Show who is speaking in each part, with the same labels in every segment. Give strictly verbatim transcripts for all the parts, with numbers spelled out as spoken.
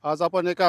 Speaker 1: आज आपण एका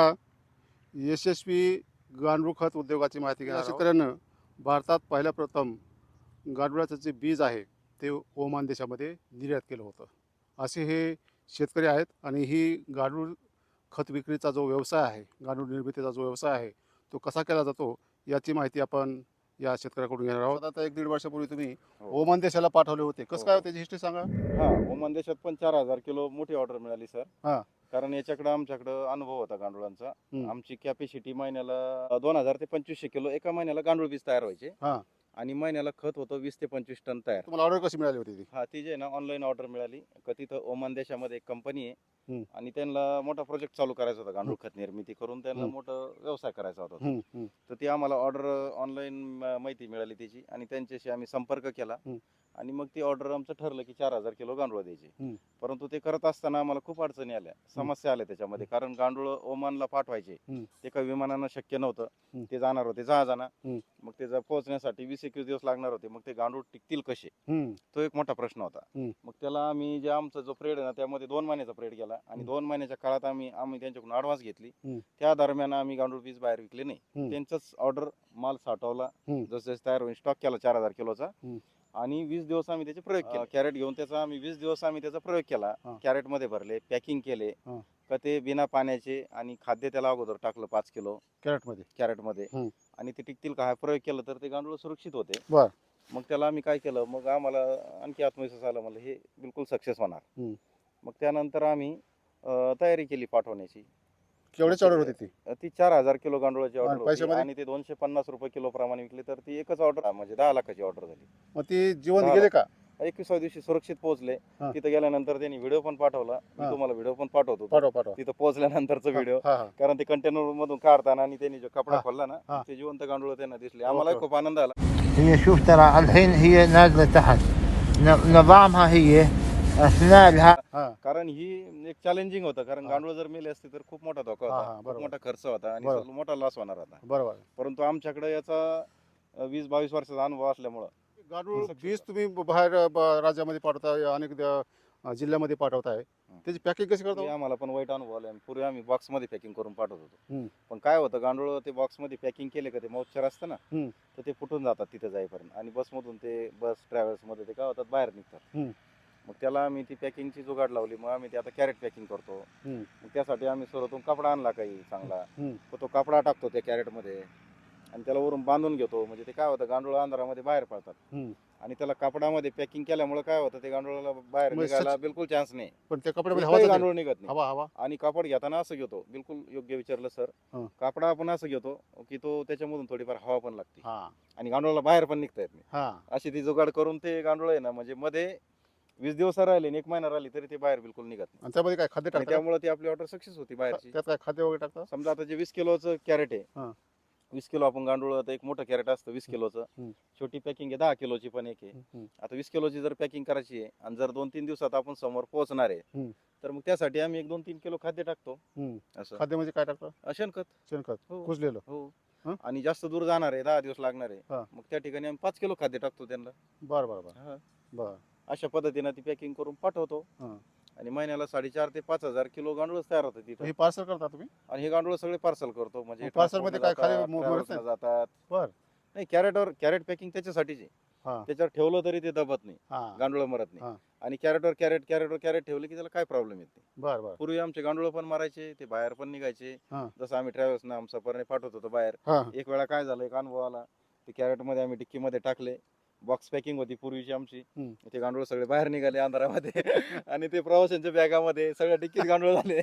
Speaker 1: यशस्वी गांडूळ खत उद्योगाची माहिती घेणार आहोत. शेतकऱ्यानं भारतात पहिल्या प्रथम गांडुळाचं जे बीज आहे ते ओमान देशामध्ये निर्यात केलं होतं. असे हे शेतकरी आहेत आणि ही गांडूळ खत विक्रीचा जो व्यवसाय आहे, गांडूळ निर्मितीचा जो व्यवसाय आहे तो कसा केला जातो याची माहिती आपण या शेतकऱ्याकडून घेणार आहोत. आता एक दीड वर्षापूर्वी तुम्ही
Speaker 2: हो.
Speaker 1: ओमान देशाला पाठवले होते, कसं
Speaker 2: हो,
Speaker 1: काय
Speaker 2: हो.
Speaker 1: त्याची हिस्ट्री सांगा.
Speaker 2: हा ओमान देशात पण चार हजार किलो मोठी ऑर्डर मिळाली सर.
Speaker 1: हा.
Speaker 2: कारण याच्याकडे आमच्याकडे अनुभव होता गांडुळांचा.
Speaker 1: हम्म.
Speaker 2: आमची कॅपॅसिटी महिन्याला दोन हजार ते पंचवीसशे किलो एका महिन्याला गांडूळ बीज तयार व्हायचे.
Speaker 1: हा.
Speaker 2: आणि महिन्याला खत होतं वीस ते पंचवीस टन तयार.
Speaker 1: तुम्हाला ऑर्डर कशी मिळाली होती ती?
Speaker 2: हा ती जे आहे ना ऑनलाईन ऑर्डर मिळाली. का तिथं ओमान देशामध्ये एक कंपनी आहे
Speaker 1: हम्म.
Speaker 2: आणि त्यांना मोठा प्रोजेक्ट चालू करायचा होता गांडूळ खत निर्मिती करून त्यांना
Speaker 1: हम्म.
Speaker 2: मोठा व्यवसाय करायचा होता तो.
Speaker 1: हम्म, हम्म,
Speaker 2: तर ती आम्हाला ऑर्डर ऑनलाईन माहिती मिळाली त्याची आणि त्यांच्याशी आम्ही संपर्क केला.
Speaker 1: हम्म.
Speaker 2: आणि मग ती ऑर्डर आमचं ठरलं की चार हजार किलो गांडूळ द्यायचे.
Speaker 1: हम्म.
Speaker 2: परंतु ते करत असताना आम्हाला खूप अडचणी आल्या, समस्या आल्या त्याच्यामध्ये. कारण गांडूळ ओमानला पाठवायचे
Speaker 1: हम्म.
Speaker 2: ते काही विमानानं शक्य नव्हतं.
Speaker 1: हम्म.
Speaker 2: ते जाणार होते जहाजानं.
Speaker 1: हम्म.
Speaker 2: मग ते जर पोहोचण्यासाठी वीस एकवीस दिवस लागणार होते. मग ते गांडूळ टिकतील कसे,
Speaker 1: हम्म,
Speaker 2: तो एक मोठा प्रश्न होता.
Speaker 1: हम्म.
Speaker 2: मग त्याला आम्ही जे आमचा जो प्रेड आहे ना त्यामध्ये दोन महिन्याचा प्रेड केला आणि
Speaker 1: हम्म.
Speaker 2: दोन महिन्याच्या काळात आम्ही आम्ही त्यांच्याकडून ॲडव्हान्स घेतली.
Speaker 1: हम्म.
Speaker 2: त्या दरम्यान आम्ही गांडूळ बीज बाहेर विकले नाही.
Speaker 1: हम्म.
Speaker 2: त्यांचाच ऑर्डर माल साठवला,
Speaker 1: हम्म.
Speaker 2: जसं जसं तयार होईल स्टॉक केला चार हजार किलोचा.
Speaker 1: हम्म.
Speaker 2: आणि वीस दिवस आम्ही त्याचे प्रयोग केले. कॅरेट घेऊन त्याचा आम्ही वीस दिवस आम्ही त्याचा प्रयोग केला.
Speaker 1: हा.
Speaker 2: कॅरेट मध्ये भरले, पॅकिंग केले.
Speaker 1: हा.
Speaker 2: का ते बिना पाण्याचे आणि खाद्य त्याला अगोदर टाकलं पाच किलो
Speaker 1: कॅरेटमध्ये.
Speaker 2: कॅरेटमध्ये.
Speaker 1: हम्म.
Speaker 2: आणि ते टिकतील का हा प्रयोग केला तर ते गांडूळ सुरक्षित होते.
Speaker 1: बर.
Speaker 2: मग त्याला आम्ही काय केलं, मग आम्हाला आणखी आत्मविश्वास आला, मला हे बिलकुल सक्सेस होणार.
Speaker 1: हम्म.
Speaker 2: मग त्यानंतर आम्ही अं, तयारी केली पाठवण्याची.
Speaker 1: केवढ्याची ऑर्डर होती ती?
Speaker 2: अं, ती चार हजार किलो गांडूळाची
Speaker 1: आणि
Speaker 2: ऑर्डर होती
Speaker 1: पैशामध्ये?
Speaker 2: आणि ते दोनशे पन्नास रुपये किलो प्रमाणे विकले. तर ती एकच ऑर्डर म्हणजे दहा लाखाची ऑर्डर झाली.
Speaker 1: मग ती जीवन
Speaker 2: दहा
Speaker 1: गेले
Speaker 2: लाख.
Speaker 1: का?
Speaker 2: एकविसाव्या दिवशी सुरक्षित पोहोचले.
Speaker 1: हा.
Speaker 2: तिथं गेल्यानंतर त्यांनी व्हिडिओ पण पाठवला. मी
Speaker 1: हा.
Speaker 2: तुम्हाला व्हिडिओ पण पाठवतो.
Speaker 1: पाठवा पाठवा.
Speaker 2: तिथं पोहोचल्यानंतरचा व्हिडिओ.
Speaker 1: हा, हा.
Speaker 2: कारण ते कंटेनर मधून काढताना आणि त्यांनी जो कपडा
Speaker 1: हा.
Speaker 2: खोलला ना
Speaker 1: हा.
Speaker 2: ते जिवंत गांडूळ त्यांना दिसले. आम्हाला
Speaker 1: ओके.
Speaker 2: खूप आनंद आला.
Speaker 3: هي شوف ترى الحين هي نازلة تحت ن- نظامها هي أثناء لها
Speaker 1: हा.
Speaker 2: कारण ही एक चॅलेंजिंग होतं. कारण
Speaker 1: हा.
Speaker 2: गांडूळ जर मेले असते तर खूप मोठा धोका
Speaker 1: हा, हा,
Speaker 2: होता, खूप
Speaker 1: बरोबर.
Speaker 2: मोठा खर्च होता आणि
Speaker 1: बरोबर.
Speaker 2: सर्व मोठा लॉस होणार होता.
Speaker 1: बरोबर.
Speaker 2: परंतु आमच्याकडे याचा अं, वीस बावीस वर्षाचा अनुभव असल्यामुळं
Speaker 1: गांडूळ
Speaker 2: सक्सेस
Speaker 1: बीज तुम्ही बाहेर ब- राज्यामध्ये पाठवताय, अनेक द- जिल्ह्यामध्ये पाठवताय, त्याची पॅकिंग कशी
Speaker 2: पूर्वी
Speaker 1: करता?
Speaker 2: आम्हाला पण वाईट अनुभव आले. पूर्वी आम्ही बॉक्स मध्ये पॅकिंग करून पाठवत होतो.
Speaker 1: हम्म.
Speaker 2: पण काय होतं, गांडूळ ते बॉक्स मध्ये पॅकिंग केले का ते मॉइश्चर असतं ना,
Speaker 1: हम्म.
Speaker 2: तर ते फुटून जातात तिथे जाईपर्यंत. आणि बसमधून ते बस ट्रॅव्हल्स मध्ये ते काय होतात बाहेर निघतात.
Speaker 1: हम्म.
Speaker 2: मग त्याला आम्ही ती पॅकिंगची जुगाड लावली. मग आम्ही ते आता कॅरेट पॅकिंग करतो.
Speaker 1: हम्म.
Speaker 2: मग त्यासाठी आम्ही सुरतून कपडा आणला काही चांगला.
Speaker 1: हम्म.
Speaker 2: तर तो कपडा टाकतो त्या कॅरेटमध्ये आणि त्याला वरून बांधून घेतो. म्हणजे ते काय होतं, गांडूळ अंधारामध्ये बाहेर पडतात.
Speaker 1: हम्म.
Speaker 2: आणि त्याला कपडामध्ये पॅकिंग केल्यामुळे काय होतं, ते गांडुळाला बाहेर
Speaker 1: मग
Speaker 2: निघायला
Speaker 1: सच-
Speaker 2: बिलकुल चान्स नाही.
Speaker 1: पण त्या कपड्यामध्ये
Speaker 2: एकही
Speaker 1: हवा जाते?
Speaker 2: गांडूळ निघत नाही.
Speaker 1: हवा हवा
Speaker 2: आणि कापड घेताना असं घेतो, बिलकुल योग्य विचारलं सर.
Speaker 1: हं.
Speaker 2: कापडा आपण असं घेतो की तो त्याच्यामधून थोडीफार हवा पण लागते
Speaker 1: हा.
Speaker 2: आणि गांडुळाला बाहेर पण निघता येत नाही.
Speaker 1: हा.
Speaker 2: अशी ती जुगाड करून ते गांडूळ आहे ना, म्हणजे मध्ये वीस दिवस राहिले आणि एक महिना राहिली तरी ते बाहेर बिलकुल निघत नाही.
Speaker 1: आणि त्यामध्ये काय खाद्य
Speaker 2: आणि
Speaker 1: टाकतात?
Speaker 2: त्यामुळे ती आपली ऑर्डर सक्सेस होती बाहेरची.
Speaker 1: त्यात काय खाद्य वगैरे टाकतात?
Speaker 2: समजा आता जे वीस किलोचं कॅरेट आहे,
Speaker 1: हा.
Speaker 2: वीस किलो आपण गांडूळ, आता एक मोठं कॅरेट असतं वीस किलोचं.
Speaker 1: हम्म.
Speaker 2: छोटी पॅकिंग आहे दहा किलोची पण एक आहे.
Speaker 1: हम्म.
Speaker 2: आता वीस किलोची जर पॅकिंग करायची आहे आणि जर दोन तीन दिवसात आपण समोर पोहोचणार आहे,
Speaker 1: हम्म.
Speaker 2: तर मग त्यासाठी आम्ही एक दोन तीन किलो खाद्य टाकतो.
Speaker 1: हम्म.
Speaker 2: असं
Speaker 1: खाद्य म्हणजे काय टाकतात?
Speaker 2: शेणखत.
Speaker 1: शेणखत
Speaker 2: हो.
Speaker 1: कुजलेलं?
Speaker 2: हो.
Speaker 1: हं?
Speaker 2: आणि जास्त दूर जाणार आहे, दहा दिवस लागणार आहे,
Speaker 1: हा.
Speaker 2: मग त्या ठिकाणी आम्ही पाच किलो खाद्य टाकतो त्यांना.
Speaker 1: बर बर बर
Speaker 2: हा.
Speaker 1: बर.
Speaker 2: अशा पद्धतीनं ती पॅकिंग करून पाठवतो.
Speaker 1: हा.
Speaker 2: आणि महिन्याला साडेचार ते पाच हजार किलो गांडूळ तयार होतं तिथं.
Speaker 1: हे पार्सल करता तुम्ही?
Speaker 2: आणि हे गांडूळ सगळे पार्सल करतो. म्हणजे
Speaker 1: मग parcel मध्ये काय खाली
Speaker 2: transport ला
Speaker 1: मो-
Speaker 2: जातात,
Speaker 1: मरत नाही?
Speaker 2: travels ला जातात.
Speaker 1: बर.
Speaker 2: नाही, कॅरेटवर कॅरेट पॅकिंग त्याच्यासाठीच आहे.
Speaker 1: हा.
Speaker 2: त्याच्यावर ठेवलं तरी ते दबत नाही,
Speaker 1: हा.
Speaker 2: गांडूळ मरत
Speaker 1: हा.
Speaker 2: नाही. आणि कॅरेटवर कॅरेट कॅरेटवर कॅरेट ठेवले की त्याला काय प्रॉब्लेम येत नाही.
Speaker 1: बर बर.
Speaker 2: पूर्वी आमचे गांडूळ पण मारायचे, ते बाहेर पण निघायचे.
Speaker 1: हा.
Speaker 2: जसं आम्ही ट्रॅव्हल्स ना सफरने पाठवत होतो बाहेर.
Speaker 1: हा.
Speaker 2: एक वेळा काय झालं, एक अनुभव आला. ते कॅरेट मध्ये आम्ही डिक्की मध्ये टाकले, बॉक्स पॅकिंग होती पूर्वीची आमची.
Speaker 1: हम्म.
Speaker 2: ते गांडूळ सगळे बाहेर निघाले अंधारामध्ये आणि ते प्रवाशांच्या बॅगामध्ये सगळ्या डिक्कीत गांडूळ झाले.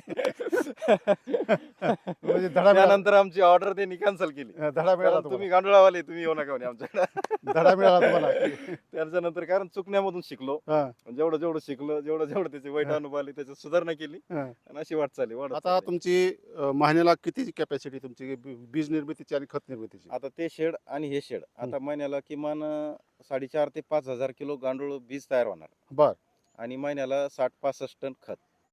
Speaker 1: म्हणजे धडा मिळाला.
Speaker 2: त्यानंतर आमची ऑर्डर त्यांनी कॅन्सल केली.
Speaker 1: धडा मिळाला
Speaker 2: कारण
Speaker 1: तुम्हाला?
Speaker 2: तुम्ही गांडुळावाले तुम्ही येऊ नका म्हणे आमच्याकडे.
Speaker 1: धडा मिळाला तुम्हाला?
Speaker 2: त्याच्यानंतर कारण चुकण्यामधून शिकलो.
Speaker 1: हा.
Speaker 2: जेवढं जेवढं शिकलो, जेवढं जेवढं त्याचे वाईट
Speaker 1: हा.
Speaker 2: अनुभव आले त्याची सुधारणा केली
Speaker 1: हा.
Speaker 2: आणि अशी वाट चालली वाढत
Speaker 1: आता
Speaker 2: चालली.
Speaker 1: तुमची अ, महिन्याला किती कॅपॅसिटी तुमची बी- बीज निर्मितीची आणि खत निर्मितीची?
Speaker 2: आता ते शेड आणि हे शेड आता महिन्याला किमान अं, साडेचार ते पाच हजार किलो गांडूळ बीज तयार होणार
Speaker 1: बर.
Speaker 2: आणि महिन्याला साठ पासष्ट टन खत.